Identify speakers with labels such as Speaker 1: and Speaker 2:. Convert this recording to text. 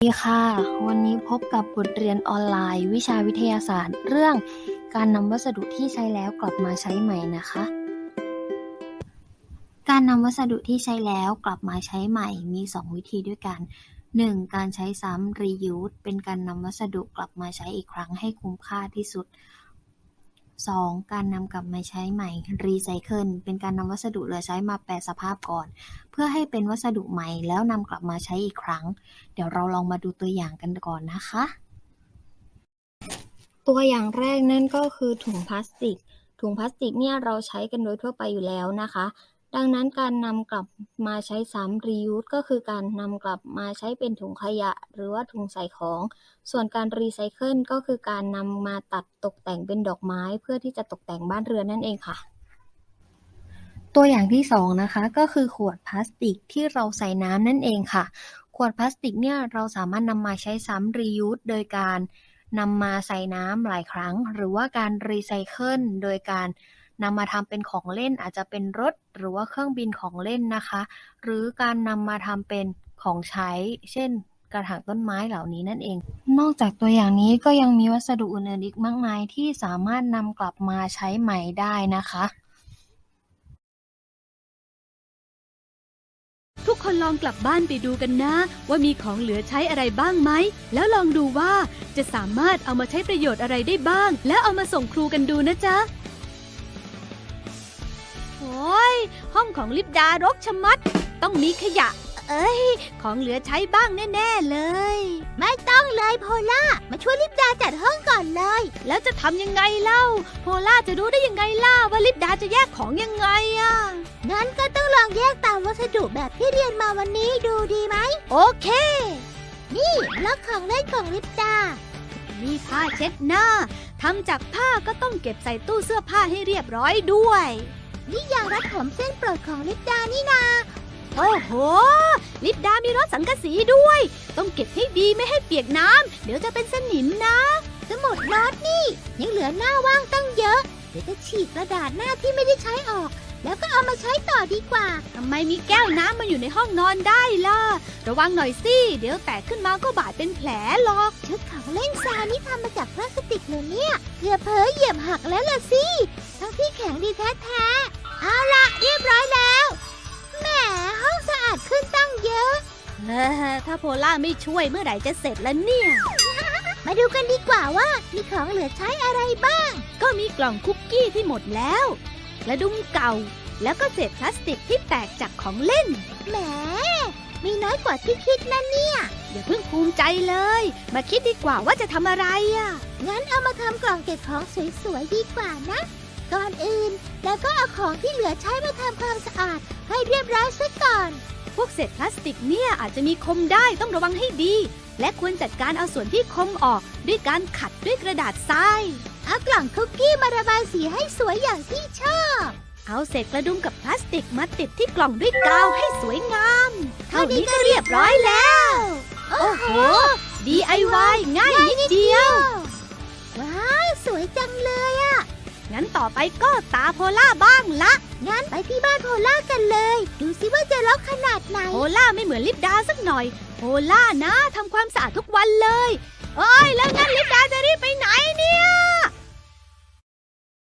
Speaker 1: สวัสดีค่ะวันนี้พบกับบทเรียนออนไลน์วิชาวิทยาศาสตร์เรื่องการนำวัสดุที่ใช้แล้วกลับมาใช้ใหม่นะคะการนำวัสดุที่ใช้แล้วกลับมาใช้ใหม่มี2วิธีด้วยกัน 1. การใช้ซ้ำ reuse เป็นการนำวัสดุกลับมาใช้อีกครั้งให้คุ้มค่าที่สุด 2. การนำกลับมาใช้ใหม่ recycle เป็นการนำวัสดุเหลือใช้มาแปรสภาพก่อนเพื่อให้เป็นวัสดุใหม่แล้วนำกลับมาใช้อีกครั้งเดี๋ยวเราลองมาดูตัวอย่างกันก่อนนะคะตัวอย่างแรกนั่นก็คือถุงพลาสติกเนี่ยเราใช้กันโดยทั่วไปอยู่แล้วนะคะดังนั้นการนำกลับมาใช้ซ้ำ reuse ก็คือการนำกลับมาใช้เป็นถุงขยะหรือว่าถุงใส่ของส่วนการ recycle ก็คือการนำมาตัดตกแต่งเป็นดอกไม้เพื่อที่จะตกแต่งบ้านเรือนนั่นเองค่ะตัวอย่างที่2นะคะก็คือขวดพลาสติกที่เราใส่น้ำนั่นเองค่ะขวดพลาสติกเนี่ยเราสามารถนำมาใช้ซ้ำ reuse โดยการนำมาใส่น้ำหลายครั้งหรือว่าการ recycle โดยการนำมาทำเป็นของเล่นอาจจะเป็นรถหรือว่าเครื่องบินของเล่นนะคะหรือการนำมาทำเป็นของใช้เช่นกระถางต้นไม้เหล่านี้นั่นเองนอกจากตัวอย่างนี้ก็ยังมีวัสดุอื่นๆอีกมากมายที่สามารถนำกลับมาใช้ใหม่ได้นะคะ
Speaker 2: ทุกคนลองกลับบ้านไปดูกันนะว่ามีของเหลือใช้อะไรบ้างไหมแล้วลองดูว่าจะสามารถเอามาใช้ประโยชน์อะไรได้บ้างแล้วเอามาส่งครูกันดูนะจ๊ะโอ้ยห้องของลิปดารกชะมัดต้องมีขยะของเหลือใช้บ้างแน่ๆเลย
Speaker 3: ไม่ต้องเลยโพล่ามาช่วยลิปดาจัดห้องก่อนเลย
Speaker 2: แล้วจะทำยังไงเล่าโพล่าจะรู้ได้ยังไงล่ะว่าลิปดาจะแยกของยังไงอ่ะ
Speaker 3: งั้นก็ต้องลองแยกตามวัสดุแบบที่เรียนมาวันนี้ดูดีไหม
Speaker 2: โอเค
Speaker 3: นี่บล็อกของเล่นของลิปดา
Speaker 2: มีผ้าเช็ดหน้าทำจากผ้าก็ต้องเก็บใส่ตู้เสื้อผ้าให้เรียบร้อยด้วย
Speaker 3: นี่ยางรัดผมเส้นโปรดของลิปดานี่นา
Speaker 2: โอ้โหลิปดามีรถสังกะสีด้วยต้องเก็บให้ดีไม่ให้เปียกน้ำเดี๋ยวจะเป็นสนิมนะ
Speaker 3: สมุดโน้ตนี่ยังเหลือหน้าว่างตั้งเยอะเดี๋ยวจะฉีกกระดาษหน้าที่ไม่ได้ใช้ออกแล้วก็เอามาใช้ต่อดีกว่า
Speaker 2: ทำไมมีแก้วน้ำมาอยู่ในห้องนอนได้ล่ะระวังหน่อยสิเดี๋ยวแตกขึ้นมาก็บาดเป็นแผลหรอก
Speaker 3: ชุดของเล่นซานี่ทำมาจากพลาสติกเลยเนี่ยเกือบเผลอเหยียบหักแล้วล่ะสิทั้งที่แข็งดีแท้ๆเอาล่ะเรียบร้อยแล้วแหมห้องสะอาดขึ้นตั้งเยอะ
Speaker 2: ถ้าโพล่าไม่ช่วยเมื่อไหร่จะเสร็จแล้วเนี่ย
Speaker 3: มาดูกันดีกว่าว่ามีของเหลือใช้อะไรบ้าง
Speaker 2: ก็มีกล่องคุกกี้ที่หมดแล้วกระดุมเก่าแล้วก็เศษพลาสติกที่แตกจากของเล่น
Speaker 3: แหมมีน้อยกว่าที่คิดนะเนี่ย
Speaker 2: อย่าเพิ่งภูมิใจเลยมาคิดดีกว่าว่าจะทำอะไรอ่ะ
Speaker 3: งั้นเอามาทำกล่องเก็บของสวยๆดีกว่านะก่อนอื่นแล้วก็เอาของที่เหลือใช้มาทำความสะอาดให้เรียบร้อยซะก่อน
Speaker 2: พวกเศษพลาสติกเนี่ยอาจจะมีคมได้ต้องระวังให้ดีและควรจัดการเอาส่วนที่คมออกด้วยการขัดด้วยกระดาษทราย
Speaker 3: เอากล่องคุกกี้มาระบายสีให้สวยอย่างที่ชอบ
Speaker 2: เอาเศษกระดุมกับพลาสติกมาติดที่กล่องด้วยกาวให้สวยงามเท่านี้ก็เรียบร้อยแล้วโอ้โห DIY ง่ายนิดเดียว
Speaker 3: ว้าวสวยจังเลยอ่ะ
Speaker 2: งั้นต่อไปก็ตาโพล่าบ้างละ
Speaker 3: งั้นไปที่บ้านโพล่ากันเลยดูสิว่าจะรกขนาดไหน
Speaker 2: โพล่าไม่เหมือนลิปดาสักหน่อยโพล่านะทำความสะอาดทุกวันเลยเอ้ยแล้วงั้นลิปดาจะรีบไปไหนเนี่ย